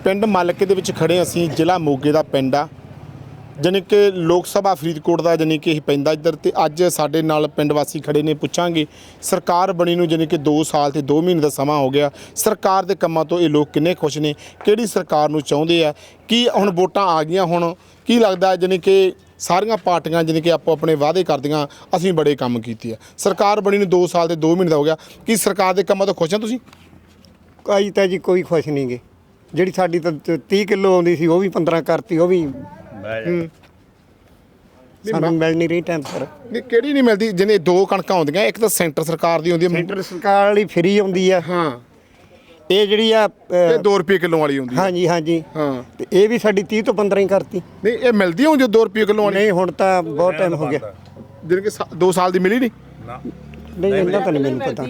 ਪਿੰਡ ਮਾਲਕੇ ਦੇ ਵਿੱਚ ਖੜੇ ਅਸੀਂ, ਜ਼ਿਲ੍ਹਾ ਮੋਗੇ ਦਾ ਪਿੰਡ ਆ, ਜਾਣੀ ਕਿ ਲੋਕ ਸਭਾ ਫਰੀਦਕੋਟ ਦਾ ਜਾਣੀ ਕਿ ਇਹ ਪੈਂਦਾ ਇੱਧਰ। ਤੇ ਅੱਜ ਸਾਡੇ ਨਾਲ ਪਿੰਡ ਵਾਸੀ ਖੜੇ ਨੇ, ਪੁੱਛਾਂਗੇ ਸਰਕਾਰ ਬਣੀ ਨੂੰ ਜਾਣੀ ਕਿ 2 ਸਾਲ ਤੇ 2 ਮਹੀਨੇ ਦਾ ਸਮਾਂ ਹੋ ਗਿਆ, ਸਰਕਾਰ ਦੇ ਕੰਮਾਂ ਤੋਂ ਇਹ ਲੋਕ ਕਿੰਨੇ ਖੁਸ਼ ਨੇ, ਕਿਹੜੀ ਸਰਕਾਰ ਨੂੰ ਚਾਹੁੰਦੇ ਆ, ਕੀ ਹੁਣ ਵੋਟਾਂ ਆ ਗਈਆਂ, ਹੁਣ ਕੀ ਲੱਗਦਾ ਜਾਣੀ ਕਿ ਸਾਰੀਆਂ ਪਾਰਟੀਆਂ ਜਾਣੀ ਕਿ ਆਪੋ ਆਪਣੇ ਵਾਅਦੇ ਕਰਦੀਆਂ ਅਸੀਂ ਬੜੇ ਕੰਮ ਕੀਤੇ ਆ। ਸਰਕਾਰ ਬਣੀ ਨੂੰ 2 ਸਾਲ ਤੇ 2 ਮਹੀਨੇ ਦਾ ਹੋ ਗਿਆ, ਕੀ ਸਰਕਾਰ ਦੇ ਕੰਮਾਂ ਤੋਂ ਖੁਸ਼ ਆ ਤੁਸੀਂ? ਅਜੇ ਤਾਂ ਜੀ ਕੋਈ ਖੁਸ਼ ਨਹੀਂ ਗੇ। ਜਿਹੜੀ ਸਾਡੀ ਤਾਂ 30 ਕਿਲੋ ਆਉਂਦੀ ਸੀ ਉਹ ਵੀ 15 ਕਰਤੀ, ਉਹ ਵੀ ਸਾਨੂੰ ਮਿਲ ਨਹੀਂ ਰਹੀ ਟਾਈਮ ਪਰ। ਨਹੀਂ, ਕਿਹੜੀ ਨਹੀਂ ਮਿਲਦੀ? ਜਿਹਨੇ 2 ਕਣਕਾਂ ਆਉਂਦੀਆਂ, ਇੱਕ ਤਾਂ ਸੈਂਟਰ ਸਰਕਾਰ ਦੀ ਆਉਂਦੀ ਹੈ, ਸੈਂਟਰ ਸਰਕਾਰ ਵਾਲੀ ਫਰੀ ਆਉਂਦੀ ਆ। ਹਾਂ, ਇਹ ਜਿਹੜੀ ਆ ਇਹ 2 ਰੁਪਏ ਕਿਲੋ ਵਾਲੀ ਆਉਂਦੀ ਹੈ। ਹਾਂਜੀ ਹਾਂਜੀ ਹਾਂ, ਤੇ ਇਹ ਵੀ ਸਾਡੀ 30 ਤੋਂ 15 ਹੀ ਕਰਤੀ। ਨਹੀਂ ਇਹ ਮਿਲਦੀ ਹੋਂ ਜੋ 2 ਰੁਪਏ ਕਿਲੋ ਵਾਲੀ? ਨਹੀਂ, ਹੁਣ ਤਾਂ ਬਹੁਤ ਟਾਈਮ ਹੋ ਗਿਆ। ਜਿਹਨੇ ਕਿ 2 ਸਾਲ ਦੀ ਮਿਲੀ ਨਹੀਂ? ਨਹੀਂ, ਇੰਨਾ ਤਾਂ ਨਹੀਂ ਮੈਨੂੰ ਪਤਾ।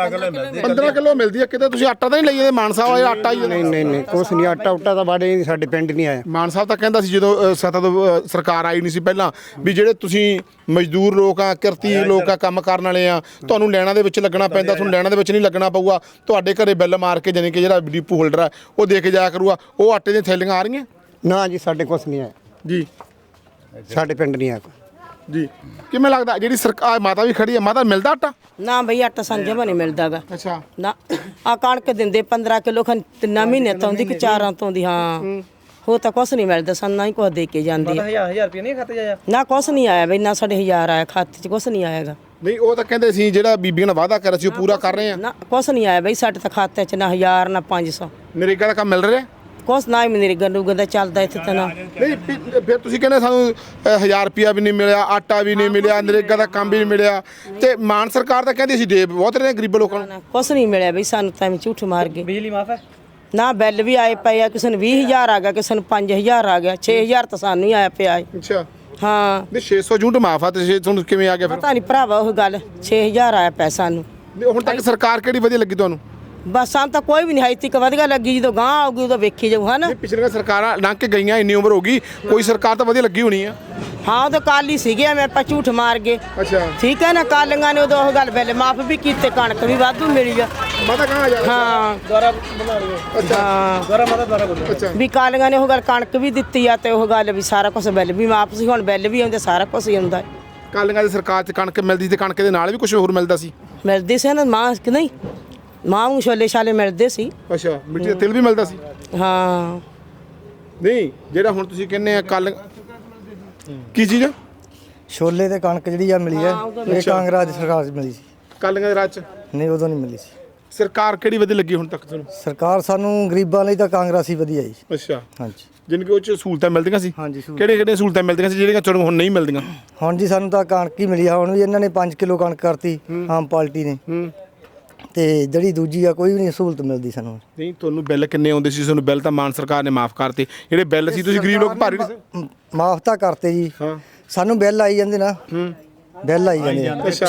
15 ਕਿਲੋ ਮਿਲਦੀ ਹੈ। ਕਿਤੇ ਤੁਸੀਂ ਆਟਾ ਤਾਂ ਨਹੀਂ ਲਈ ਇਹਦੇ? ਮਾਨ ਸਾਹਿਬ ਆਇਆ ਆਟਾ ਹੀ? ਨਹੀਂ ਨਹੀਂ ਨਹੀਂ, ਕੁਛ ਨਹੀਂ। ਆਟਾ ਉਟਾ ਤਾਂ ਬਾੜੇ ਸਾਡੇ ਪਿੰਡ ਨਹੀਂ ਆਇਆ। ਮਾਨ ਸਾਹਿਬ ਤਾਂ ਕਹਿੰਦਾ ਸੀ ਜਦੋਂ ਸੱਤਾ ਤੋਂ ਸਰਕਾਰ ਆਈ ਨਹੀਂ ਸੀ ਪਹਿਲਾਂ, ਵੀ ਜਿਹੜੇ ਤੁਸੀਂ ਮਜ਼ਦੂਰ ਲੋਕ ਆ, ਕਿਰਤੀ ਲੋਕ ਆ, ਕੰਮ ਕਰਨ ਵਾਲੇ ਆ, ਤੁਹਾਨੂੰ ਲੈਣਾ ਦੇ ਵਿੱਚ ਲੱਗਣਾ ਪੈਂਦਾ, ਤੁਹਾਨੂੰ ਲੈਣਾ ਦੇ ਵਿੱਚ ਨਹੀਂ ਲੱਗਣਾ ਪਊਗਾ, ਤੁਹਾਡੇ ਘਰੇ ਬਿੱਲ ਮਾਰ ਕੇ ਜਾਣੀ ਕਿ ਜਿਹੜਾ ਡੀਪੂ ਹੋਲਡਰ ਆ ਉਹ ਦੇ ਕੇ ਜਾਇਆ ਕਰੂਗਾ। ਉਹ ਆਟੇ ਦੀਆਂ ਥੈਲੀਆਂ ਆ ਰਹੀਆਂ? ਨਾ ਜੀ, ਸਾਡੇ ਕੁਛ ਨਹੀਂ ਆਇਆ ਜੀ, ਸਾਡੇ ਪਿੰਡ ਨਹੀਂ ਆਇਆ ਜੀ। ਕਿਵੇਂ ਲੱਗਦਾ ਜਿਹੜੀ ਸਰਕਾਰ, ਮਾਤਾ ਵੀ ਖੜੀ ਹੈ, ਮਾਤਾ ਮਿਲਦਾ ਆਟਾ? ਨਾ ਬਈ, ਆਟਾ ਸੰਜੇ ਨਹੀਂ ਮਿਲਦਾਗਾ। ਅੱਛਾ। ਨਾ ਆ ਕਣਕ ਦਿੰਦੇ 15 ਕਿਲੋ ਖਨ 3 ਮਹੀਨੇ ਤੋਂ ਦੀ ਕਿ 4 ਤੋਂ ਦੀ। ਹਾਂ, ਹੋ ਤਾਂ ਕੁਛ ਨਹੀਂ ਮਿਲਦਾ ਸਾਨੂੰ, ਨਾ ਹੀ ਕੁਛ ਦੇ ਕੇ ਜਾਂਦੀ ਆ। 1000 ਰੁਪਏ ਨਹੀਂ ਖਾਤੇ ਜਾਇਆ? ਨਾ ਕੁਛ ਨਹੀਂ ਆਇਆ ਬਈ, ਨਾ ਸਾਡੇ 1000 ਆਇਆ ਖਾਤੇ 'ਚ, ਕੁਛ ਨਹੀਂ ਆਏਗਾ। ਨਹੀਂ, ਉਹ ਤਾਂ ਕਹਿੰਦੇ ਸੀ ਜਿਹੜਾ ਬੀਬੀਆਂ ਨਾਲ ਵਾਅਦਾ ਕਰਿਆ ਸੀ ਉਹ ਪੂਰਾ ਕਰ ਰਹੇ ਆ। ਨਾ ਕੁਛ ਨਹੀਂ ਆਇਆ ਬਈ ਸਾਡੇ ਤਾਂ ਖਾਤੇ 'ਚ, ਨਾ 1000 ਨਾ 500, ਨਰੇਗਾ ਦਾ ਕੰਮ ਮਿਲ ਰਿਹਾ? ਕੁਛ ਨਾ ਹੀ ਮੇਰੇ ਗੰਡੂ ਦਾ ਚੱਲਦਾ ਇੱਥੇ ਤਾਂ। ਨਾ ਨਹੀਂ, ਫਿਰ ਤੁਸੀਂ ਕਹਿੰਦੇ ਸਾਨੂੰ 1000 ਰੁਪਿਆ ਵੀ ਨਹੀਂ ਮਿਲਿਆ, ਆਟਾ ਵੀ ਨਹੀਂ ਮਿਲਿਆ, ਨਰੇਗਾ ਦਾ ਕੰਮ ਵੀ ਨਹੀਂ ਮਿਲਿਆ, ਤੇ ਮਾਨ ਸਰਕਾਰ ਤਾਂ ਕਹਿੰਦੀ ਸੀ ਦੇ ਬਹੁਤ ਰਹੇ ਗਰੀਬ ਲੋਕਾਂ ਨੂੰ। ਕੁਛ ਨਹੀਂ ਮਿਲਿਆ ਬਈ ਸਾਨੂੰ ਤਾਂ, ਝੂਠ ਮਾਰ ਗਏ। ਬਿਜਲੀ ਮਾਫ ਹੈ? ਨਾ ਬਿੱਲ ਵੀ ਆਏ ਪਏ ਆ, ਕਿਸੇ ਨੂੰ 20000 ਆ ਗਿਆ, ਕਿਸੇ ਨੂੰ 5000 ਆ ਗਿਆ, 6000 ਤਾਂ ਸਾਨੂੰ ਹੀ ਆਇਆ ਪਿਆ ਹੈ। ਅੱਛਾ। ਹਾਂ, ਨਹੀਂ, 600 ਯੂਨਿਟ ਮਾਫ ਆ, ਤੇ ਤੁਹਾਨੂੰ ਕਿਵੇਂ ਆ ਗਿਆ ਫਿਰ? ਪਤਾ ਨਹੀਂ ਭਰਾਵਾ, ਉਹ ਗੱਲ 6000 ਆਇਆ ਪਿਆ ਸਾਨੂੰ। ਹੁਣ ਤੱਕ ਸਰਕਾਰ ਕਿਹੜੀ ਵਧੀਆ ਲੱਗੀ ਤੁਹਾਨੂੰ? ਬਸ ਸਾਨੂੰ ਤਾਂ ਕੋਈ ਵੀ ਨਹੀਂ ਹਾਈ ਤੱਕ ਵਧੀਆ ਲੱਗੀ, ਜਦੋਂ ਗਾਂ ਆਊਗੀ ਉਦੋਂ ਵੇਖੀ ਜਾਊ। ਹਨ ਪਿਛਲੀਆਂ ਸਰਕਾਰਾਂ ਲੰਘ ਕੇ ਗਈਆਂ, ਇੰਨੀ ਉਮਰ ਹੋ ਗਈ, ਕੋਈ ਸਰਕਾਰ ਤਾਂ ਵਧੀਆ ਲੱਗੀ ਹੋਣੀ ਆ। ਹਾਂ, ਉਹ ਤਾਂ ਕਾਲੀ ਸੀਗੇ, ਮੈਂ ਆਪਾਂ ਝੂਠ ਮਾਰ ਗਏ। ਅੱਛਾ, ਠੀਕ ਹੈ ਨਾ, ਕਾਲੀਆਂ ਨੇ ਉਦੋਂ ਉਹ ਗੱਲ ਬਿੱਲ ਮਾਫ ਵੀ ਕੀਤੇ, ਕਣਕ ਵੀ ਵਾਧੂ ਮਿਲੀ ਆ। ਮਾਤਾ ਕਹਾਂ ਜਾ? ਹਾਂ ਦੁਆਰਾ ਬਣਾ ਲਿਓ। ਅੱਛਾ। ਹਾਂ, ਦੁਆਰਾ ਮਾਤਾ ਦੁਆਰਾ ਬੋਲੋ। ਅੱਛਾ। ਵੀ ਕਾਲੀਆਂ ਨੇ ਉਹ ਗੱਲ ਕਣਕ ਵੀ ਦਿੱਤੀ ਆ, ਤੇ ਉਹ ਗੱਲ ਵੀ ਸਾਰਾ ਕੁਝ ਬਿੱਲ ਵੀ ਮਾਫ ਸੀ, ਹੁਣ ਬਿੱਲ ਵੀ ਆਉਂਦੇ, ਸਾਰਾ ਕੁਝ ਹੀ ਆਉਂਦਾ। ਕਾਲੀਆਂ ਦੀ ਸਰਕਾਰ 'ਚ ਕਣਕ ਮਿਲਦੀ ਸੀ, ਤੇ ਕਣਕ ਦੇ ਨਾਲ ਵੀ ਕੁਝ ਹੋਰ ਮਿਲਦਾ ਸੀ? ਮਿਲਦੀ ਸੀ ਨਾ ਮਾਂ ਕਿ ਨਹੀਂ, ਮਾਂ ਨੂੰ ਛੋਲੇ ਛਾਲੇ ਮਿਲਦੇ ਸੀ। ਅੱਛਾ, ਮਿੱਟੀ ਦਾ ਤੇਲ ਵੀ ਮਿਲਦਾ ਸੀ? ਹਾਂ। ਨਹੀਂ, ਜਿਹੜਾ ਹੁਣ ਤੁਸੀਂ ਕਹਿੰਦੇ ਆ ਕੱਲ ਕੀ ਚੀਜ਼? ਛੋਲੇ ਤੇ ਕਣਕ ਜਿਹੜੀ ਆ ਮਿਲੀ ਹੈ, ਇਹ ਕਾਂਗਰਸ ਦੀ ਸਰਕਾਰ 'ਚ ਮਿਲੀ ਸੀ। ਕਾਲੀਆਂ ਦੇ ਰਾਜ 'ਚ ਨਹੀਂ, ਉਦੋਂ ਨਹੀਂ ਮਿਲੀ ਸੀ। ਸਰਕਾਰ ਕਿਹੜੀ ਵਧੀਆ ਲੱਗੀ ਹੁਣ ਤੱਕ ਤੁਹਾਨੂੰ? ਸਰਕਾਰ ਸਾਨੂੰ ਗਰੀਬਾਂ ਲਈ ਤਾਂ ਕਾਂਗਰਸ ਹੀ ਵਧੀਆ ਜੀ। ਅੱਛਾ। ਹਾਂਜੀ ਜਿਨ ਕਿ ਉਹ 'ਚ ਸਹੂਲਤਾਂ ਮਿਲਦੀਆਂ ਸੀ? ਹਾਂਜੀ। ਕਿਹੜੇ ਕਿਹੜੇ ਸਹੂਲਤਾਂ ਮਿਲਦੀਆਂ ਸੀ ਜਿਹੜੀਆਂ ਤੁਹਾਨੂੰ ਹੁਣ ਨਹੀਂ ਮਿਲਦੀਆਂ? ਹੁਣ ਜੀ ਸਾਨੂੰ ਤਾਂ ਕਣਕ ਹੀ ਮਿਲੀ ਆ। ਹੁਣ ਵੀ ਇਹਨਾਂ ਨੇ 5 ਕਿਲੋ ਕਣਕ ਕਰਤੀ ਆਮ ਪਾਰਟੀ ਨੇ, ਤੇ ਜਿਹੜੀ ਦੂਜੀ ਆ ਕੋਈ ਵੀ ਨਹੀਂ ਸਹੂਲਤ ਮਿਲਦੀ ਸਾਨੂੰ। ਨਹੀਂ, ਤੁਹਾਨੂੰ ਬਿੱਲ ਕਿੰਨੇ ਆਉਂਦੇ ਸੀ? ਤੁਹਾਨੂੰ ਬਿੱਲ ਤਾਂ ਮਾਨ ਸਰਕਾਰ ਨੇ ਮਾਫ ਕਰਤੇ, ਜਿਹੜੇ ਬਿੱਲ ਸੀ ਤੁਸੀਂ ਗਰੀਬ ਲੋਕ ਭਰ ਨਹੀਂ ਸੀ? ਮਾਫ ਤਾਂ ਕਰਤੇ ਜੀ। ਹਾਂ, ਸਾਨੂੰ ਬਿੱਲ ਆਈ ਜਾਂਦੇ ਨਾ, ਬਿੱਲ ਆਈ ਜਾਂਦੇ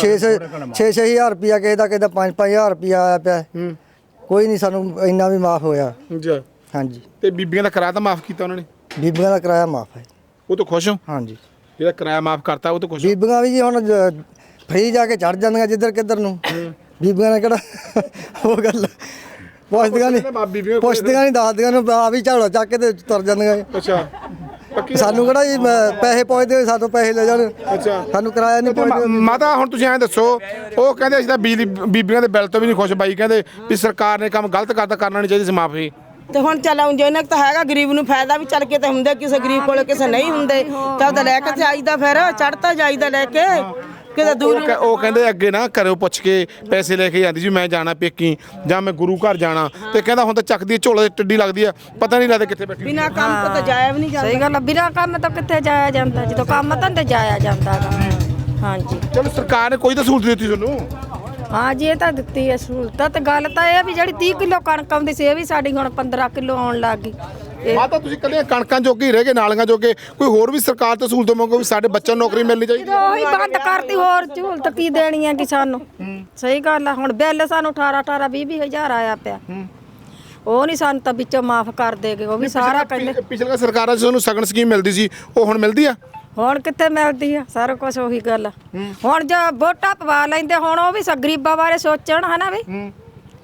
6-6 ਰੁਪਿਆ, ਕਿਸੇ ਦਾ 5-5000 ਰੁਪਿਆ ਆਇਆ ਪਿਆ। ਕੋਈ ਨਹੀਂ ਸਾਨੂੰ ਇੰਨਾ ਵੀ ਮਾਫ ਹੋਇਆ। ਅੱਛਾ। ਹਾਂਜੀ। ਤੇ ਬੀਬੀਆਂ ਦਾ ਕਿਰਾਇਆ ਤਾਂ ਮਾਫ ਕੀਤਾ ਉਹਨਾਂ ਨੇ? ਬੀਬੀਆਂ ਦਾ ਕਿਰਾਇਆ ਮਾਫ ਹੈ। ਉਹ ਤੋਂ ਖੁਸ਼ ਹੋ? ਹਾਂਜੀ। ਜਿਹੜਾ ਕਿਰਾਇਆ ਮਾਫ ਕਰਤਾ ਉਹ ਤੋਂ ਖੁਸ਼ ਹੋ? ਬੀਬੀਆਂ ਵੀ ਜੀ ਹੁਣ ਫਰੀ ਜਾ ਕੇ ਚੜ ਜਾਂਦੀਆਂ ਜਿੱਧਰ ਕਿੱਧਰ ਨੂੰ। ਬੀਬੀਆਂ ਨੇ ਕਿਹੜਾ ਉਹ ਗੱਲ ਪੁੱਛਦੀਆਂ ਨਹੀਂ, ਨਹੀਂ ਦੱਸਦੀਆਂ ਨੂੰ, ਆ ਵੀ ਝਾੜਾ ਚੱਕ ਕੇ ਤੇ ਤੁਰ ਜਾਂਦੀਆਂ। ਅੱਛਾ। ਸਾਨੂੰ ਕਿਹੜਾ ਜੀ ਪੈਸੇ ਪੁੱਛਦੇ, ਸਾਨੂੰ ਪੈਸੇ ਲੈ ਜਾਣ। ਅੱਛਾ। ਸਾਨੂੰ ਕਿਰਾਇਆ ਨਹੀਂ ਪੁੱਛਦੇ। ਮਾਤਾ ਹੁਣ ਤੁਸੀਂ ਐਂ ਦੱਸੋ, ਉਹ ਕਹਿੰਦੇ ਅਸੀਂ ਤਾਂ ਬਿਜਲੀ ਬੀਬੀਆਂ ਦੇ ਬਿੱਲ ਤੋਂ ਵੀ ਨਹੀਂ ਖੁਸ਼। ਬਾਈ ਕਹਿੰਦੇ ਵੀ ਸਰਕਾਰ ਨੇ ਕੰਮ ਗਲਤ ਕਰਤਾ, ਕਰਨਾ ਨਹੀਂ ਚਾਹੀਦੀ ਸੀ ਮਾਫੀ। ਤੇ ਹੁਣ ਚਲਾਉਂ ਜੇ ਇਹਨਾਂ ਤਾਂ ਹੈਗਾ, ਗਰੀਬ ਨੂੰ ਫਾਇਦਾ ਵੀ ਚੱਲ ਕੇ ਤੇ ਹੁੰਦੇ, ਕਿਸੇ ਗਰੀਬ ਕੋਲ ਕਿਸੇ ਨਹੀਂ ਹੁੰਦੇ, ਤਾਂ ਉਹਦਾ ਲੈ ਕੇ ਤੇ ਆਈਦਾ, ਫਿਰ ਚੜਤਾ ਜਾਈਦਾ ਲੈ ਕੇ ਕਿਤੇ ਦੂਰ। ਉਹ ਕਹਿੰਦੇ ਅੱਗੇ ਨਾ ਘਰੋਂ ਪੁੱਛ ਕੇ ਪੈਸੇ ਲੈ ਕੇ ਜਾਂਦੀ ਜੀ, ਮੈਂ ਜਾਣਾ ਪੇਕੀ ਜਾਂ ਮੈਂ ਗੁਰੂ ਘਰ ਜਾਣਾ, ਤੇ ਕਹਿੰਦਾ ਹੁਣ ਤਾਂ ਚੱਕਦੀ ਝੋਲੇ ਟੱਡੀ ਲੱਗਦੀ ਆ, ਪਤਾ ਨਹੀਂ ਲੱਗਦਾ ਕਿੱਥੇ ਬੈਠੀ। ਬਿਨਾਂ ਕੰਮ ਤੋਂ ਤਾਂ ਜਾਇਆ ਵੀ ਨਹੀਂ ਜਾਂਦਾ। ਸਹੀ ਗੱਲ ਆ, ਬਿਨਾਂ ਕੰਮ ਤੋਂ ਕਿੱਥੇ ਜਾਇਆ ਜਾਂਦਾ, ਜਦੋਂ ਕੰਮ ਧੰਦੇ ਜਾਇਆ ਜਾਂਦਾ ਗਾ। ਹਾਂਜੀ। ਚਲੋ ਸਰਕਾਰ ਨੇ ਕੋਈ ਤਾਂ ਸਹੂਲਤ ਦਿੱਤੀ ਤੁਹਾਨੂੰ? ਹਾਂ ਜੀ, ਇਹ ਤਾਂ ਦਿੱਤੀ ਹੈ ਸਹੂਲਤ। ਤੇ ਗੱਲ ਤਾਂ ਇਹ ਵੀ ਜਿਹੜੀ 30 ਕਿਲੋ ਕਣਕ ਆਉਂਦੀ ਸੀ, ਇਹ ਵੀ ਸਾਡੀ ਹੁਣ 15 ਕਿਲੋ ਆਉਣ ਲੱਗ ਗਈ। ਮਾਤਾ ਤੁਸੀਂ ਕੱਲੇ ਕਣਕਾਂ ਜੋਗੇ ਹੀ ਰਹਿ ਗਏ, ਨਾਲੀਆਂ ਜੋਗੇ? ਕੋਈ ਹੋਰ ਵੀ ਸਰਕਾਰ ਤੋਂ ਸਹੂਲਤ ਮੰਗੋ ਵੀ ਸਾਡੇ ਬੱਚਿਆਂ ਨੂੰ ਨੌਕਰੀ ਮਿਲਣੀ ਚਾਹੀਦੀ? ਉਹੀ ਬੰਦ ਕਰਤੀ, ਹੋਰ ਸਹੂਲਤ ਕੀ ਦੇਣੀ ਹੈ ਕਿ ਸਾਨੂੰ? ਸਹੀ ਗੱਲ ਆ। ਹੁਣ ਬਿੱਲ ਸਾਨੂੰ 18-20 ਹਜ਼ਾਰ ਆਇਆ ਪਿਆ, ਉਹ ਨਹੀਂ ਸਾਨੂੰ ਤਾਂ ਵਿੱਚੋਂ ਮਾਫ ਕਰ ਦੇਗੇ। ਉਹ ਵੀ ਸਾਰਾ ਕਹਿੰਦੇ ਪਿਛਲੀਆਂ ਸਰਕਾਰਾਂ 'ਚ ਤੁਹਾਨੂੰ ਸਗਨ ਸਕੀਮ ਮਿਲਦੀ ਸੀ, ਉਹ ਹੁਣ ਮਿਲਦੀ ਆ? ਹੁਣ ਕਿੱਥੇ ਮਿਲਦੀ ਆ, ਸਾਰਾ ਕੁਝ ਉਹੀ ਗੱਲ ਆ। ਹੁਣ ਜੇ ਵੋਟਾਂ ਪਵਾ ਲੈਂਦੇ, ਹੁਣ ਉਹ ਵੀ ਗਰੀਬਾਂ ਬਾਰੇ ਸੋਚਣ, ਹਨਾ ਵੀ।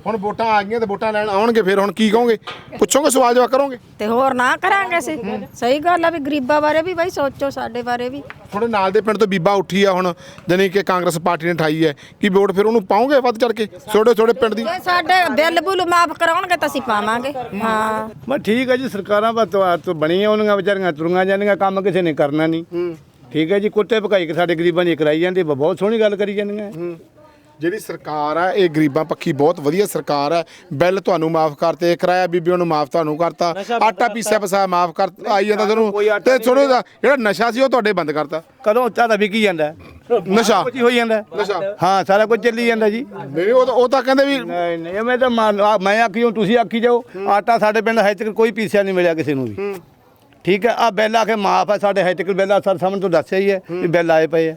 ਹੁਣ ਵੋਟਾਂ ਆ ਗਈਆਂ ਤੇ ਵੋਟਾਂ ਲੈਣ ਆਉਣਗੇ, ਫਿਰ ਹੁਣ ਕੀ ਕਹੋਗੇ? ਪੁੱਛੋਗੇ, ਸਵਾਲ ਜਵਾਬ ਕਰੋਗੇ? ਤੇ ਹੋਰ ਨਾ ਕਰਾਂਗੇ ਅਸੀਂ। ਸਹੀ ਗੱਲ ਆ ਵੀ ਗਰੀਬਾਂ ਬਾਰੇ ਵੀ ਬਾਈ ਸੋਚੋ, ਸਾਡੇ ਬਾਰੇ ਵੀ। ਤੁਹਾਡੇ ਨਾਲ ਦੇ ਪਿੰਡ ਤੋਂ ਬੀਬਾ ਉੱਠੀ ਆ ਹੁਣ, ਜਾਣੀ ਕਿ ਕਾਂਗਰਸ ਪਾਰਟੀ ਨੇ ਠਾਈ ਹੈ, ਕੀ ਵੋਟ ਫਿਰ ਉਹਨੂੰ ਪਾਓਗੇ ਵੱਧ ਚੜ ਕੇ? ਛੋਟੇ ਪਿੰਡ ਦੀ ਜੇ ਸਾਡੇ ਬਿੱਲ ਬੁੱਲ ਮਾਫ ਕਰਾਉਣਗੇ ਤਾਂ ਅਸੀਂ ਪਾਵਾਂਗੇ। ਹਾਂ ਮੈਂ ਠੀਕ ਹੈ ਜੀ, ਸਰਕਾਰਾਂ ਬਸ ਬਣੀਆਂ ਉਹਨੀਆਂ ਵਿਚਾਰੀਆਂ ਤੁਰੀਆਂ ਜਾਂਦੀਆਂ, ਕੰਮ ਕਿਸੇ ਨੇ ਕਰਨਾ ਨਹੀਂ। ਠੀਕ ਹੈ ਜੀ, ਕੁੱਤੇ ਭਕਾਈ ਕੇ ਸਾਡੇ ਗਰੀਬਾਂ ਦੀ ਕਰਾਈ ਜਾਂਦੀ, ਬਹੁਤ ਸੋਹਣੀ ਗੱਲ ਕਰੀ ਜਾਂਦੀਆਂ। ਜਿਹੜੀ ਸਰਕਾਰ ਆ ਇਹ ਗਰੀਬਾਂ ਪੱਖੀ ਬਹੁਤ ਵਧੀਆ ਸਰਕਾਰ ਹੈ। ਬਿੱਲ ਤੁਹਾਨੂੰ ਮਾਫ ਕਰਤੇ, ਕਿਰਾਇਆ ਬੀਬੀਆਂ ਨੂੰ ਮਾਫ ਤੁਹਾਨੂੰ ਕਰਤਾ, ਆਟਾ ਪੀਸਿਆ ਪਸਾ ਮਾਫ ਕਰ ਆਈ ਜਾਂਦਾ ਤੁਹਾਨੂੰ, ਤੇ ਥੋੜਾ ਜਿਹੜਾ ਨਸ਼ਾ ਸੀ ਉਹ ਤੁਹਾਡੇ ਬੰਦ ਕਰਤਾ। ਕਦੋਂ ਚਾਹਦਾ ਵਿਕੀ ਜਾਂਦਾ ਨਸ਼ਾ ਕੁਝ ਹੋਈ ਜਾਂਦਾ। ਨਸ਼ਾ ਹਾਂ ਸਾਰਾ ਕੁਝ ਚੱਲੀ ਜਾਂਦਾ ਜੀ। ਨਹੀਂ ਉਹ ਤਾਂ ਕਹਿੰਦੇ ਵੀ ਨਹੀਂ ਨਹੀਂ ਮੈਂ ਤਾਂ ਮੈਂ ਆਖੀ ਹੁਣ ਤੁਸੀਂ ਆਖੀ ਜਾਓ। ਆਟਾ ਸਾਡੇ ਪਿੰਡ ਹਜੇ ਤੱਕ ਕੋਈ ਪੀਸਿਆ ਨਹੀਂ ਮਿਲਿਆ ਕਿਸੇ ਨੂੰ ਵੀ। ਠੀਕ ਹੈ, ਆ ਬਿੱਲ ਆ ਕੇ ਮਾਫ ਹੈ ਸਾਡੇ, ਹਜੇ ਤੱਕ ਬਿੱਲ ਸਰ ਸਾਹਮਣੇ ਤੋਂ ਦੱਸਿਆ ਹੀ ਹੈ ਵੀ ਬਿੱਲ ਆਏ ਪਏ ਆ।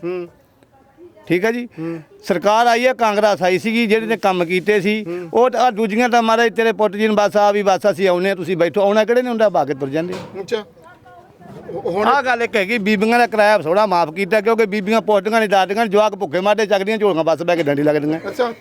ਠੀਕ ਹੈ ਜੀ, ਸਰਕਾਰ ਆਈ ਹੈ, ਕਾਂਗਰਸ ਆਈ ਸੀਗੀ, ਜਿਹੜੇ ਨੇ ਕੰਮ ਕੀਤੇ ਸੀ ਉਹ ਆ ਦੂਜੀਆਂ ਤਾਂ ਮਹਾਰਾਜ ਤੇਰੇ ਪੁੱਤ ਜੀ ਨੂੰ ਬਸ ਆ ਵੀ ਬਸ ਅਸੀਂ ਆਉਨੇ, ਤੁਸੀਂ ਬੈਠੋ। ਆਉਣਾ ਕਿਹੜੇ ਨੇ ਹੁੰਦਾ, ਬਾਗੇ ਤੁਰ ਜਾਂਦੇ। ਅੱਛਾ ਹੁਣ ਆਹ ਗੱਲ ਇੱਕ ਹੈਗੀ, ਬੀਬੀਆਂ ਦਾ ਕਿਰਾਇਆ ਥੋੜਾ ਮਾਫ ਕੀਤਾ, ਕਿਉਂਕਿ ਬੀਬੀਆਂ ਪੁੱਛਦੀਆਂ ਨਹੀਂ, ਦਾਦੀਆਂ ਜਵਾਕ ਭੁੱਖੇ ਮਾਰਦੇ ਚੱਕਦੀਆਂ ਝੋਲੀਆਂ ਬੱਸ ਬਹਿ ਕੇ ਡੰਡੀ ਲੱਗਦੀਆਂ। ਅੱਛਾ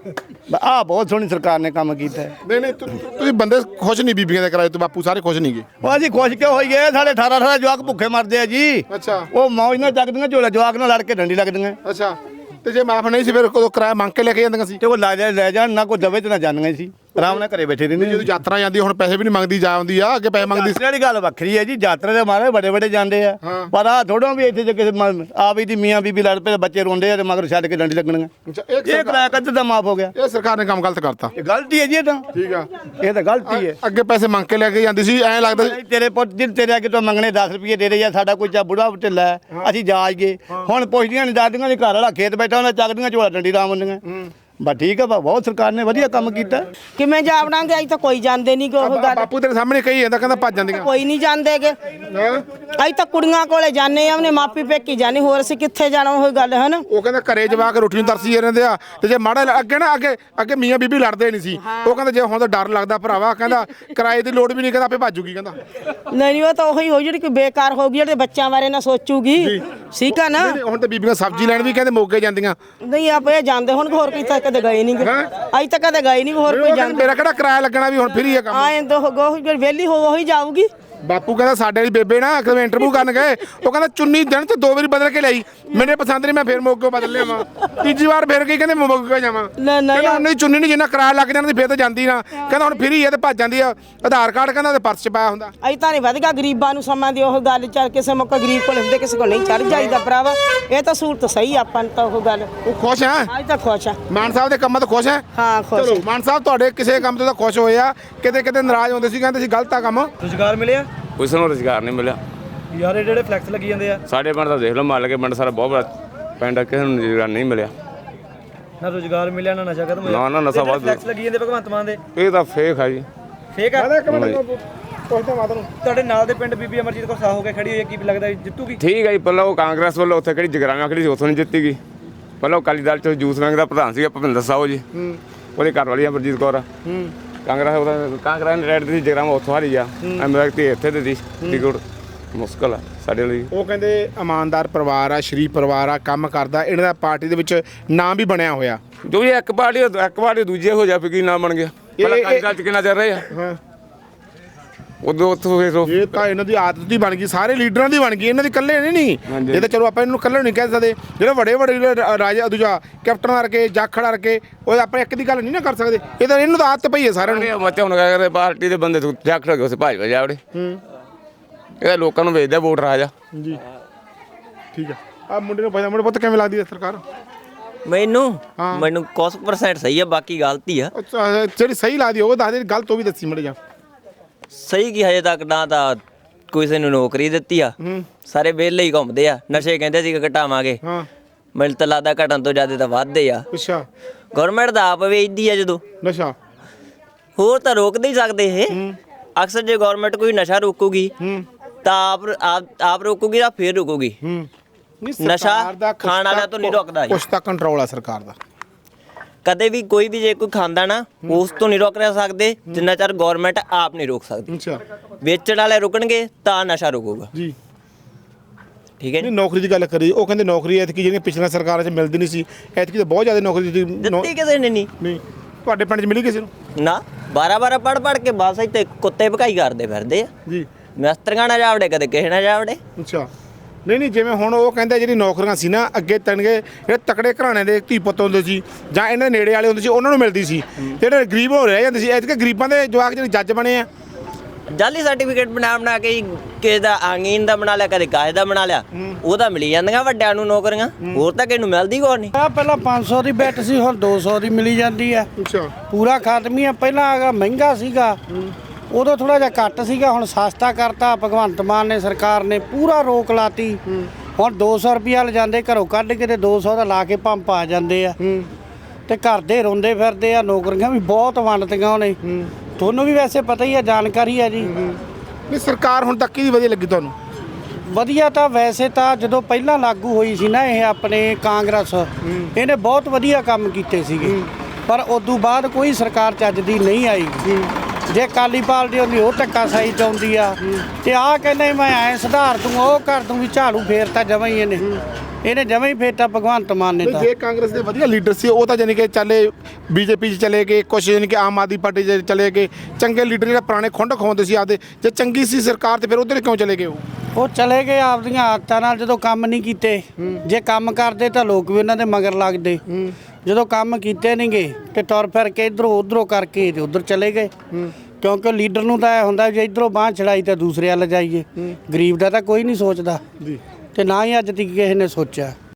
ਆਹ ਬਹੁਤ ਸੋਹਣੀ ਸਰਕਾਰ ਨੇ ਕੰਮ ਕੀਤਾ ਹੈ। ਨਹੀਂ ਤੁਸੀਂ ਬੰਦੇ ਖੁਸ਼ ਨਹੀਂ ਬੀਬੀਆਂ ਦੇ ਕਿਰਾਏ ਤੋਂ? ਬਾਪੂ ਸਾਰੇ ਖੁਸ਼ ਨਹੀਂ ਗਏ? ਉਹ ਅਸੀਂ ਖੁਸ਼ ਕਿਉਂ ਹੋਈਏ, ਸਾਡੇ 18 ਜਵਾਕ ਭੁੱਖੇ ਮਰਦੇ ਆ ਜੀ। ਅੱਛਾ ਉਹ ਮੌਜ ਨਾਲ ਚੱਕਦੀਆਂ ਝੋਲਾ, ਜਵਾਕ ਨਾਲ ਲੜ ਕੇ ਡੰਡੀ ਲੱਗਦੀਆਂ। ਅੱਛਾ, ਤੇ ਜੇ ਮਾਫ ਨਹੀਂ ਸੀ ਫਿਰ ਕਦੋਂ ਕਿਰਾਇਆ ਮੰਗ ਕੇ ਲੈ ਕੇ ਜਾਂਦੀਆਂ ਸੀ? ਤੇ ਉਹ ਲੈ ਜਾਣ, ਨਾ ਕੋਈ ਦਵੇ ਤੇ ਨਾ ਜਾਂਦੀਆਂ ਸੀ, ਆਰਾਮ ਨਾਲ ਘਰੇ ਬੈਠੇ ਰਹਿੰਦੇ। ਜਦੋਂ ਯਾਤਰਾ ਜਾਂਦੀ ਹੁਣ ਪੈਸੇ ਵੀ ਨਹੀਂ ਮੰਗਦੀ, ਜਾ ਆਉਂਦੀ ਆ, ਅੱਗੇ ਪੈਸੇ ਮੰਗਦੀ ਸੀ। ਵਾਲੀ ਗੱਲ ਵੱਖਰੀ ਹੈ ਜੀ, ਯਾਤਰਾ ਦੇ ਮਾਰੇ ਬੜੇ ਜਾਂਦੇ ਆ, ਪਰ ਆ ਥੋੜੋਂ ਵੀ ਇੱਥੇ ਜੇ ਕਿਸੇ ਆ ਵੀ ਦੀ ਮੀਆਂ ਬੀਬੀ ਲੜ ਪਏ, ਬੱਚੇ ਰੋਂਦੇ ਆ ਤੇ ਮਗਰ ਛੱਡ ਕੇ ਡੰਡੀ ਲੱਗਣੀਆਂ। ਅੱਛਾ, ਇਹ ਕਿਰਾਇਆ ਕਦ ਦਾ ਮਾਫ ਹੋ ਗਿਆ? ਇਹ ਸਰਕਾਰ ਨੇ ਕੰਮ ਗਲਤ ਕਰਤਾ। ਇਹ ਗਲਤੀ ਹੈ ਜੀ, ਇਹ ਤਾਂ ਠੀਕ ਆ, ਇਹ ਤਾਂ ਗਲਤੀ ਹੈ। ਅੱਗੇ ਪੈਸੇ ਮੰਗ ਕੇ ਲੈ ਕੇ ਜਾਂਦੀ ਸੀ, ਐਂ ਲੱਗਦਾ ਸੀ ਤੇਰੇ ਪੁੱਤ ਜੀ ਤੇਰੇ ਅੱਗੇ ਤੋਂ ਮੰਗਣੇ 10 ਰੁਪਏ ਦੇ ਦੇ, ਜਾਂ ਸਾਡਾ ਕੋਈ ਚਾ ਬੁੜਾ ਢਿੱਲਾ ਹੈ, ਅਸੀਂ ਜਾ ਗਏ। ਹੁਣ ਪੁੱਛਦੀਆਂ ਨਹੀਂ, ਦਾਦੀਆਂ ਦੇ ਘਰ ਵਾਲਾ ਖੇਤ ਬੈਠਾ, ਉਹਨਾਂ ਚੱਕਦੀਆਂ ਝੋਲਾ ਡੰਡੀ ਰਾਮ ਹੁੰਦੀਆਂ। ਬਸ ਠੀਕ ਆ, ਬਹੁਤ ਸਰਕਾਰ ਨੇ ਵਧੀਆ ਕੰਮ ਕੀਤਾ। ਕਿਵੇਂ ਜਾ ਵੜਾਂਗੇ? ਅਸੀਂ ਤਾਂ ਕੋਈ ਜਾਂਦੇ ਨਹੀਂ, ਉਹ ਗੱਲ ਬਾਪੂ ਤੇਰੇ ਸਾਹਮਣੇ ਕਹੀ ਜਾਂਦਾ, ਕਹਿੰਦਾ ਭੱਜ ਜਾਂਦੀਆਂ। ਕੋਈ ਨਹੀਂ ਜਾਂਦੇਗੇ। ਅਸੀਂ ਤਾਂ ਕੁੜੀਆਂ ਕੋਲੇ ਜਾਂਦੇ ਆ, ਉਹਨੇ ਮਾਪੀ ਪੇਕੀ ਜਾਂਦੇ, ਹੋਰ ਅਸੀਂ ਕਿੱਥੇ ਜਾਣਾ? ਉਹ ਗੱਲ ਹੈ ਨਾ। ਉਹ ਕਹਿੰਦਾ ਘਰੇ ਜਵਾ ਕੇ ਰੋਟੀ ਨੂੰ ਤਰਸੀ ਜਾਂਦੇ ਆ, ਤੇ ਜੇ ਮਾੜਾ ਅੱਗੇ ਨਾ ਅੱਗੇ ਮੀਆਂ ਬੀਬੀ ਲੜਦੇ ਨਹੀਂ ਸੀ। ਉਹ ਕਹਿੰਦਾ ਜੇ ਹੁਣ ਤਾਂ ਡਰ ਲੱਗਦਾ ਭਰਾਵਾ, ਕਹਿੰਦਾ ਕਿਰਾਏ ਦੀ ਲੋੜ ਵੀ ਨਹੀਂ, ਕਹਿੰਦਾ ਆਪੇ ਭੱਜੂਗੀ। ਕਹਿੰਦਾ ਨਹੀਂ ਉਹ ਤਾਂ ਉਹੀ ਹੋ ਜਿਹੜੀ ਕੋਈ ਬੇਕਾਰ ਹੋ ਗਈ, ਜਿਹੜੇ ਬੱਚਿਆਂ ਬਾਰੇ ਨਾ ਸੋਚੂਗੀ। ਠੀਕ ਆ ਨਾ। ਹੁਣ ਤਾਂ ਬੀਬੀਆਂ ਸਬਜ਼ੀ ਲੈਣ ਵੀ ਕਹਿੰਦੇ ਮੋਗੇ ਜਾਂਦੀਆਂ। ਨਹੀਂ ਆਪੇ ਜਾਂਦੇ ਹੁਣ, ਹੋਰ ਕੋਈ ਤਾਂ ਕਦੇ ਗਏ ਨਹੀਂ। ਅਸੀਂ ਤਾਂ ਕਦੇ ਗਏ ਨਹੀਂ, ਹੋਰ ਕੋਈ ਜਾਂਦੇ। ਮੇਰਾ ਕਿਹੜਾ ਕਿਰਾਇਆ ਲੱਗਣਾ ਵੀ ਹੁਣ ਫਰੀ ਹੈ ਕੰਮ। ਆਏ ਤਾਂ ਵਿਹਲੀ ਹੋ ਉਹੀ ਜਾਊਗੀ। ਬਾਪੂ ਕਹਿੰਦਾ ਸਾਡੇ ਵਾਲੀ ਬੇਬੇ ਨਾ ਕਿਵੇਂ ਇੰਟਰਵਿਊ ਕਰਨ ਗਏ, ਉਹ ਕਹਿੰਦਾ ਚੁੰਨੀ ਦਿਨ ਚ 2 ਵਾਰੀ ਬਦਲ ਕੇ ਲਈ, ਮੇਰੇ ਪਸੰਦ ਨਹੀਂ, ਮੈਂ ਫੇਰ ਮੋਗੇ ਬਦਲ ਲਿਆਵਾਂ। ਤੀਜੀ ਵਾਰ ਫੇਰ ਗਈ, ਕਹਿੰਦੇ ਮੋਗੇ ਜਾਵਾਂ। ਕਹਿੰਦਾ ਉਹਨਾਂ ਦੀ ਚੁੰਨੀ ਨਹੀਂ, ਜਿੰਨਾ ਕਿਰਾਇਆ ਲੱਗ ਜਾਂਦਾ ਫੇਰ ਤਾਂ ਜਾਂਦੀ ਨਾ। ਕਹਿੰਦਾ ਹੁਣ ਫਰੀ ਹੈ ਤੇ ਭੱਜ ਜਾਂਦੀ ਆ, ਆਧਾਰ ਕਾਰਡ ਕਹਿੰਦਾ ਤੇ ਪਰਸ ਚ ਪਾਇਆ ਹੁੰਦਾ। ਅਸੀਂ ਤਾਂ ਨਹੀਂ ਵਧਗਾ ਗਰੀਬਾਂ ਨੂੰ ਸਮਾਂ ਦੀ ਉਹ ਗੱਲ, ਚੱਲ ਕਿਸੇ ਮੌਕਾ ਗਰੀਬ ਕੋਲ ਹੁੰਦੇ, ਕਿਸੇ ਕੋਲ ਨਹੀਂ ਚੜ ਜਾਈਦਾ ਭਰਾਵਾ। ਇਹ ਤਾਂ ਸਹੂਲਤ ਸਹੀ ਆਪਾਂ ਨੂੰ ਤਾਂ ਉਹ ਗੱਲ। ਉਹ ਖੁਸ਼ ਹੈ? ਅਸੀਂ ਤਾਂ ਖੁਸ਼ ਆ। ਮਾਨ ਸਾਹਿਬ ਦੇ ਕੰਮਾਂ ਤੋਂ ਖੁਸ਼ ਹੈ? ਹਾਂ ਖੁਸ਼। ਚਲੋ ਮਾਨ ਸਾਹਿਬ ਤੁਹਾਡੇ ਕਿਸੇ ਕੰਮ ਤੋਂ ਤਾਂ ਖੁਸ਼ ਹੋਏ ਆ, ਕਿਤੇ ਨਾਰਾਜ਼ ਹੁੰਦੇ ਸੀ, ਕਹਿੰਦੇ ਸੀ ਗਲਤ ਆ ਕੰਮ। ਰੁਜ਼ਗਾਰ ਮਿਲਿਆ? ਉਸ ਨੂੰ ਰੁਜ਼ਗਾਰ ਨਹੀਂ ਮਿਲਿਆ। ਯਾਰ ਇਹ ਜਿਹੜੇ ਫਲੈਕਸ ਲੱਗੀ ਜਾਂਦੇ ਆ, ਸਾਡੇ ਪਿੰਡ ਦਾ ਦੇਖ ਲਓ, ਮਾਲਕੇ ਪਿੰਡ ਸਾਰਾ ਬਹੁਤ ਬੜਾ ਪਿੰਡ ਆ, ਕਿਸੇ ਨੂੰ ਰੁਜ਼ਗਾਰ ਨਹੀਂ ਮਿਲਿਆ। ਨਾ ਰੁਜ਼ਗਾਰ ਮਿਲਿਆ, ਨਾ ਨਸ਼ਾ ਖਤਮ ਹੋਇਆ। ਨਾ ਨਸ਼ਾ ਵੱਧ। ਫਲੈਕਸ ਲੱਗੀ ਜਾਂਦੇ ਭਗਵੰਤ ਮਾਨ ਦੇ, ਇਹ ਤਾਂ ਫੇਕ ਆ ਜੀ, ਫੇਕ ਆ। ਪੁੱਛਦਾ ਮਾਤਾ ਨੂੰ, ਤੁਹਾਡੇ ਨਾਲ ਦੇ ਪਿੰਡ ਬੀਬੀ ਅਮਰਜੀਤ ਕੌਰ ਸਾਹ ਹੋ ਕੇ ਖੜੀ ਹੋਈ ਹੈ, ਕੀ ਲੱਗਦਾ ਜਿੱਤੂਗੀ? ਠੀਕ ਹੈ ਜੀ। ਪਹਿਲਾਂ ਉਹ ਕਾਂਗਰਸ ਵੱਲੋਂ ਉੱਥੇ ਕਿਹੜੀ ਜਗਰਾਵਾਂ ਖੜੀ ਸੀ, ਉੱਥੋਂ ਨਹੀਂ ਜਿੱਤੀ ਗਈ। ਪਹਿਲਾਂ ਅਕਾਲੀ ਦਲ ਚ ਜੂਸ ਰੰਗ ਦਾ ਪ੍ਰਧਾਨ ਸੀਗਾ ਭੁਪਿੰਦਰ ਸਾਹੂ ਜੀ, ਉਹਦੇ ਘਰ ਵਾਲੀ ਅਮਰਜੀਤ ਕੌਰ ਆ। ਕਾਂਗਰਸ ਨੇ ਰੈਡ ਦੀ ਜਗਰਾਵਾਂ ਉੱਥੋਂ ਹਾਰੀ ਆ, ਐਮਐਲਏ ਇੱਥੇ ਦੇ ਟਿਕਟ ਮੁਸ਼ਕਲ ਆ ਸਾਡੇ ਲਈ। ਉਹ ਕਹਿੰਦੇ ਇਮਾਨਦਾਰ ਪਰਿਵਾਰ ਆ, ਸ਼ਰੀਫ ਪਰਿਵਾਰ ਆ, ਕੰਮ ਕਰਦਾ, ਇਹਨਾਂ ਦਾ ਪਾਰਟੀ ਦੇ ਵਿੱਚ ਨਾਮ ਵੀ ਬਣਿਆ ਹੋਇਆ। ਜੋ ਇਹ ਇੱਕ ਪਾਰਟੀ ਦੂਜੇ ਹੋ ਜਾ, ਫਿਰ ਕੀ ਨਾਮ ਬਣ ਗਿਆ? ਪਹਿਲਾਂ ਅਕਾਲੀ ਦਲ ਚ ਕਿੰਨਾ ਚੱਲ ਰਹੇ ਆ, ਹਾਂ ਉਦੋਂ ਉੱਥੋਂ ਫਿਰ ਇਹ ਤਾਂ ਇਹਨਾਂ ਦੀ ਆਦਤ ਦੀ ਬਣ ਗਈ, ਸਾਰੇ ਲੀਡਰਾਂ ਦੀ ਬਣ ਗਈ, ਇਹਨਾਂ ਦੀ ਇਕੱਲੇ ਨਹੀਂ। ਇਹ ਤਾਂ ਚਲੋ ਆਪਾਂ ਇਹਨੂੰ ਇਕੱਲੇ ਨਹੀਂ ਕਹਿ ਸਕਦੇ, ਜਿਹੜੇ ਵੱਡੇ ਰਾਜਾ ਦੂਜਾ ਕੈਪਟਨ ਕਰਕੇ ਜਾਖੜ ਕਰਕੇ, ਉਹ ਆਪਾਂ ਇੱਕ ਦੀ ਗੱਲ ਨਹੀਂ ਨਾ ਕਰ ਸਕਦੇ। ਇਹ ਤਾਂ ਇਹਨੂੰ ਤਾਂ ਆਦਤ ਪਈ ਹੈ ਸਾਰਿਆਂ ਨੂੰ। ਮਤੇ ਹੁਣ ਕਹਿੰਦੇ ਪਾਰਟੀ ਦੇ ਬੰਦੇ ਜਾਖੜ ਕੇ ਉਸ ਭਾਜਪਾ ਜਾਵੜੇ। ਇਹ ਲੋਕਾਂ ਨੂੰ ਵੇਚਦਾ ਵੋਟ ਰਾਜਾ ਜੀ। ਠੀਕ ਆ, ਆ ਮੁੰਡੇ ਨੂੰ ਪੁੱਛਦਾ, ਮੁੰਡੇ ਪੁੱਤ ਕਿਵੇਂ ਲੱਗਦੀ ਹੈ ਸਰਕਾਰ? ਮੈਨੂੰ ਕੁਝ % ਸਹੀ ਆ, ਬਾਕੀ ਗਲਤੀ ਆ। ਜਿਹੜੀ ਸਹੀ ਲੱਗਦੀ ਉਹ ਦੱਸ ਦੇ, ਗਲਤ ਉਹ ਵੀ ਦੱਸੀ ਮੜ ਜਾ। ਸਹੀ ਕੀ ਹਜੇ ਤੱਕ ਨਾ ਤਾਂ ਕਿਸੇ ਨੂੰ ਨੌਕਰੀ ਦਿੱਤੀ ਆ, ਸਾਰੇ ਵਿਹਲੇ ਹੀ ਘੁੰਮਦੇ ਆ। ਨਸ਼ੇ ਕਹਿੰਦੇ ਸੀ ਘਟਾਵਾਂਗੇ, ਮੈਨੂੰ ਤਾਂ ਲੱਗਦਾ ਘਟਣ ਤੋਂ ਜ਼ਿਆਦਾ ਤਾਂ ਵੱਧਦੇ ਆ। ਅੱਛਾ, ਗਵਰਨਮੈਂਟ ਦਾ ਆਪ ਵੇਚਦੀ ਆ ਜਦੋਂ, ਨਸ਼ਾ ਹੋਰ ਤਾਂ ਰੋਕ ਨਹੀਂ ਸਕਦੇ ਇਹ। ਅਕਸਰ ਜੇ ਗਵਰਨਮੈਂਟ ਕੋਈ ਨਸ਼ਾ ਰੋਕੂਗੀ ਤਾਂ ਆਪ ਰੋਕੂਗੀ ਤਾਂ ਫਿਰ ਰੁਕੂਗੀ। ਨਸ਼ਾ ਖਾਣ ਵਾਲਿਆਂ ਤੋਂ ਨਹੀਂ ਰੁਕਦਾ ਜੀ, ਕੁਛ ਤਾਂ ਕੰਟਰੋਲ ਆ ਸਰਕਾਰ ਦਾ। ਕਦੇ ਵੀ ਕੋਈ ਵੀ ਜੇ ਕੋਈ ਖਾਂਦਾ ਨਾ, ਉਸ ਤੋਂ ਨਹੀਂ ਰੋਕ ਸਕਦੇ ਜਿੰਨਾ ਚਿਰ ਗਵਰਨਮੈਂਟ ਆਪ ਨਹੀਂ ਰੋਕ ਸਕਦੀ। ਅੱਛਾ, ਵੇਚਣ ਵਾਲੇ ਰੁਕਣਗੇ ਤਾਂ ਨਸ਼ਾ ਰੁਕੂਗਾ ਜੀ। ਠੀਕ ਹੈ ਜੀ। ਨਹੀਂ ਨੌਕਰੀ ਦੀ ਗੱਲ ਕਰੀ, ਉਹ ਕਹਿੰਦੇ ਨੌਕਰੀ ਐਤਕੀ ਜਿਹੜੀਆਂ ਪਿਛਲੀਆਂ ਸਰਕਾਰਾਂ 'ਚ ਮਿਲਦੀ ਨਹੀਂ ਸੀ, ਐਤਕੀ ਤਾਂ ਬਹੁਤ ਜ਼ਿਆਦਾ ਨੌਕਰੀ ਦਿੱਤੀ ਕਿਸੇ ਨੇ ਨਹੀਂ। ਤੁਹਾਡੇ ਪਿੰਡ 'ਚ ਮਿਲੀ ਕਿਸੇ ਨੂੰ? ਨਾ 12 ਪੜ ਕੇ ਬਸ ਇੱਥੇ ਕੁੱਤੇ ਭਕਾਈ ਕਰਦੇ ਫਿਰਦੇ ਆ ਜੀ ਮਿਸਤਰੀਆਂ ਨਾਲ ਜਾਵੜੇ ਕਦੇ ਕਿਸੇ ਨਾਲ ਜਾਵੜੇ। ਅੱਛਾ ਨਹੀਂ ਜਿਵੇਂ ਹੁਣ ਉਹ ਕਹਿੰਦੇ ਜਿਹੜੀ ਨੌਕਰੀਆਂ ਸੀ ਨਾ ਅੱਗੇ ਤਣਗੇ ਜਿਹੜੇ ਤਕੜੇ ਘਰਾਣੇ ਦੇ ਧੀ ਪੁੱਤ ਹੁੰਦੇ ਸੀ ਜਾਂ ਇਹਨਾਂ ਦੇ ਨੇੜੇ ਵਾਲੇ ਹੁੰਦੇ ਸੀ ਉਹਨਾਂ ਨੂੰ ਮਿਲਦੀ ਸੀ, ਜਿਹੜੇ ਗਰੀਬ ਹੋ ਰਹਿ ਜਾਂਦੇ ਸੀ। ਐਤਕੀ ਗਰੀਬਾਂ ਦੇ ਜਵਾਕ ਜਿਹੜੇ ਜੱਜ ਬਣੇ ਆ ਜਾਲੀ ਸਰਟੀਫਿਕੇਟ ਬਣਾ ਕੇ ਕਿਸੇ ਦਾ ਆਂਗੀਨ ਦਾ ਬਣਾ ਲਿਆ ਕਦੇ ਕਾਹੇ ਦਾ ਬਣਾ ਲਿਆ, ਉਹਦਾ ਮਿਲੀ ਜਾਂਦੀਆਂ ਵੱਡਿਆਂ ਨੂੰ ਨੌਕਰੀਆਂ, ਹੋਰ ਤਾਂ ਕਿਸੇ ਨੂੰ ਮਿਲਦੀ ਕੋਈ ਨਹੀਂ। ਆ ਪਹਿਲਾਂ 500 ਦੀ ਬੈਟ ਸੀ, ਹੁਣ 200 ਦੀ ਮਿਲੀ ਜਾਂਦੀ ਆ। ਅੱਛਾ ਪੂਰਾ ਖਾਤਮੀ ਆ। ਪਹਿਲਾਂ ਅਗਾ ਮਹਿੰਗਾ ਸੀਗਾ, ਉਦੋਂ ਥੋੜਾ ਜਿਹਾ ਘੱਟ ਸੀਗਾ, ਹੁਣ ਸਸਤਾ ਕਰਤਾ ਭਗਵੰਤ ਮਾਨ ਨੇ, ਸਰਕਾਰ ਨੇ ਪੂਰਾ ਰੋਕ ਲਾਤੀ। ਹੁਣ 200 ਰੁਪਿਆ ਲਿਜਾਂਦੇ ਘਰੋਂ ਕੱਢ ਕੇ ਤੇ 200 ਦਾ ਲਾ ਕੇ ਪੰਪ ਆ ਜਾਂਦੇ ਆ ਤੇ ਘਰ ਦੇ ਰੋਂਦੇ ਫਿਰਦੇ ਆ। ਨੌਕਰੀਆਂ ਵੀ ਬਹੁਤ ਵੰਡਤੀਆਂ ਉਹਨੇ, ਤੁਹਾਨੂੰ ਵੀ ਵੈਸੇ ਪਤਾ ਹੀ ਆ, ਜਾਣਕਾਰੀ ਆ ਜੀ। ਨਹੀਂ ਸਰਕਾਰ ਹੁਣ ਤੱਕ ਕਿਹਦੀ ਵਧੀਆ ਲੱਗੀ ਤੁਹਾਨੂੰ? ਵਧੀਆ ਤਾਂ ਵੈਸੇ ਤਾਂ ਜਦੋਂ ਪਹਿਲਾਂ ਲਾਗੂ ਹੋਈ ਸੀ ਨਾ ਇਹ ਆਪਣੇ ਕਾਂਗਰਸ, ਇਹਨੇ ਬਹੁਤ ਵਧੀਆ ਕੰਮ ਕੀਤੇ ਸੀਗੇ, ਪਰ ਉਦੋਂ ਬਾਅਦ ਕੋਈ ਸਰਕਾਰ ਚੱਜ ਦੀ ਨਹੀਂ ਆਈ। ਜੇ ਅਕਾਲੀ ਪਾਰਟੀ ਹੁੰਦੀ ਉਹ ਧੱਕਾਸ਼ਾਹੀ ਚਾਹੁੰਦੀ ਆ ਤੇ ਆਹ ਕਹਿੰਦੇ ਮੈਂ ਐ ਸੁਧਾਰ ਦੂੰ ਉਹ ਕਰ ਦੂੰ, ਵੀ ਝਾੜੂ ਫੇਰਤਾ ਜਮਾਂ ਹੀ ਇਹਨੇ ਜਮਾਂ ਹੀ ਫੇਰਤਾ ਭਗਵੰਤ ਮਾਨ ਨੇ। ਤਾਂ ਜੇ ਕਾਂਗਰਸ ਦੇ ਵਧੀਆ ਲੀਡਰ ਸੀ ਉਹ ਤਾਂ ਜਾਨੀ ਕਿ ਚੱਲੇ ਬੀਜੇਪੀ 'ਚ ਚਲੇ ਗਏ, ਕੁਛ ਜਾਨੀ ਕਿ ਆਮ ਆਦਮੀ ਪਾਰਟੀ 'ਚ ਚਲੇ ਗਏ। ਚੰਗੇ ਲੀਡਰ ਜਿਹੜੇ ਪੁਰਾਣੇ ਖੁੰਡ ਖਵਾਉਂਦੇ ਸੀ ਆਪਦੇ, ਜੇ ਚੰਗੀ ਸੀ ਸਰਕਾਰ ਤੇ ਫਿਰ ਉਧਰ ਕਿਉਂ ਚਲੇ ਗਏ ਉਹ ਚਲੇ ਗਏ ਆਪਦੀਆਂ ਆਦਤਾਂ ਨਾਲ। ਜਦੋਂ ਕੰਮ ਨਹੀਂ ਕੀਤੇ, ਜੇ ਕੰਮ ਕਰਦੇ ਤਾਂ ਲੋਕ ਵੀ ਉਹਨਾਂ ਦੇ ਮਗਰ ਲੱਗਦੇ। ਜਦੋਂ ਕੰਮ ਕੀਤੇ ਨਹੀਂਗੇ ਤੇ ਤੁਰ ਫਿਰ ਕੇ ਇਧਰੋਂ ਉਧਰੋਂ ਕਰਕੇ ਤੇ ਉਧਰ ਚਲੇ ਗਏ, ਕਿਉਂਕਿ ਲੀਡਰ ਨੂੰ ਤਾਂ ਇਹ ਹੁੰਦਾ ਜੇ ਇਧਰੋਂ ਬਾਂਹ ਛੜਾਈ ਤਾਂ ਦੂਸਰੇ ਵੱਲ ਜਾਈਏ। ਗਰੀਬ ਦਾ ਤਾਂ ਕੋਈ ਨਹੀਂ ਸੋਚਦਾ ਤੇ ਨਾ ਹੀ ਅੱਜ ਤੱਕ ਕਿਸੇ ਨੇ ਸੋਚਿਆ।